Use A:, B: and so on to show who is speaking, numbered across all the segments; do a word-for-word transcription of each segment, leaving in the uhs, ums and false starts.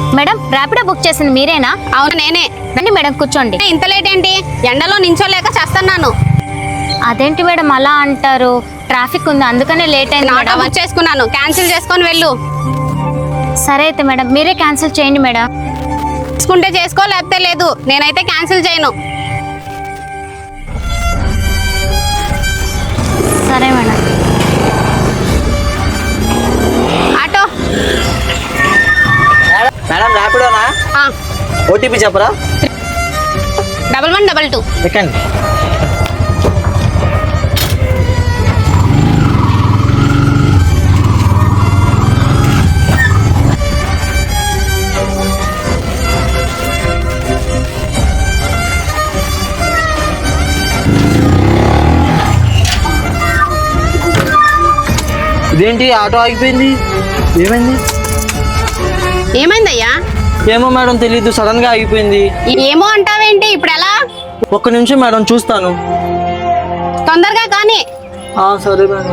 A: Madam Rapido book చేసింది మీరేనా?
B: అవును నేనే.
A: రండి మేడం కూర్చోండి.
B: ఇంత లేట్ ఏంటి? ఎండలో నించోలేక చేస్తున్నాను.
A: అదేంటి మేడం అలా అంటారు? ట్రాఫిక్ ఉంది అందుకనే లేట్ అయింది.
B: ఆటో బుక్ చేసుకున్నాను, క్యాన్సిల్ చేసుకొని వెళ్ళు.
A: సరే అయితే మేడం మీరే క్యాన్సిల్ చేయండి మేడం.
B: చేసుకుంటే చేసుకో, లేకపోతే లేదు. నేనైతే క్యాన్సిల్ చేయను.
A: సరే మేడం.
B: ఆటో
C: మేడం ర్యాపిడోనా? ఓటీపీ చెప్పరా?
B: Double one double two.
C: Second. ఇదేంటి ఆటో ఆగిపోయింది? ఏమైంది?
B: ఏమైందయ్యా?
C: ఏమో మేడం తెలీదు, సడన్ గా ఆగిపోయింది.
B: ఏమో అంటావేంటి? ఇప్పుడు ఎలా?
C: ఒక్క నిమిషం మేడం చూస్తాను.
B: తొందరగా కానీ.
C: సరే మేడం.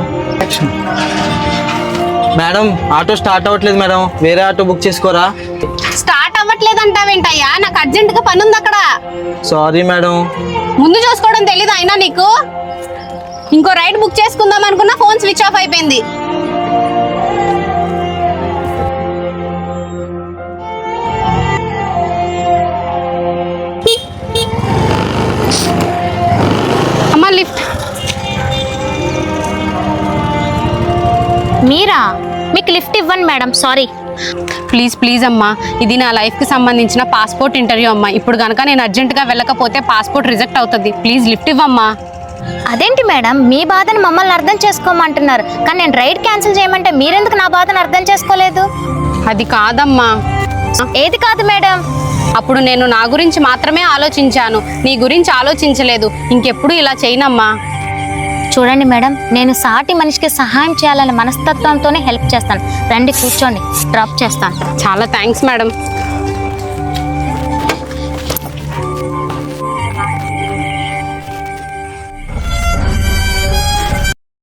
C: మేడం ఆటో స్టార్ట్ అవ్వట్లేదు మేడం, వేరే ఆటో బుక్ చేసుకోరా?
B: స్టార్ట్ అవ్వట్లేదు అంటావేంటయ్యా? నాకు అర్జెంట్ గా పని ఉంది అక్కడ.
C: Sorry madam.
B: ముందు చూసుకోవడం తెలీదు అయినా నీకు? ఇంకో రైడ్ బుక్ చేసుకుందాం అనుకున్నా, ఫోన్ స్విచ్ ఆఫ్ అయిపోయింది. అమ్మా లిఫ్ట్.
A: మీరా? మీకు లిఫ్ట్ ఇవ్వండి మేడం, సారీ.
B: ప్లీజ్ ప్లీజ్ అమ్మా, ఇది నా లైఫ్కి సంబంధించిన పాస్పోర్ట్ ఇంటర్వ్యూ అమ్మా. ఇప్పుడు కనుక నేను అర్జెంటుగా వెళ్ళకపోతే పాస్పోర్ట్ రిజెక్ట్ అవుతుంది. ప్లీజ్ లిఫ్ట్ ఇవ్వమ్మా.
A: అదేంటి మేడం మీ బాధను మమ్మల్ని అర్థం చేసుకోమంటున్నారు, కానీ నేను రైడ్ క్యాన్సిల్ చేయమంటే మీరెందుకు నా బాధను అర్థం చేసుకోలేదు?
B: అది కాదమ్మా.
A: ఏది కాదు మేడం?
B: అప్పుడు నేను నా గురించి మాత్రమే ఆలోచించాను, నీ గురించి ఆలోచించలేదు. ఇంకెప్పుడు ఇలా చేయనమ్మా.
A: చూడండి మేడం, నేను సాటి మనిషికి సహాయం చేయాలనే మనస్తత్వంతోనే హెల్ప్ చేస్తాను. రండి కూర్చోండి, డ్రాప్ చేస్తాను.
B: చాలా థ్యాంక్స్ మేడం.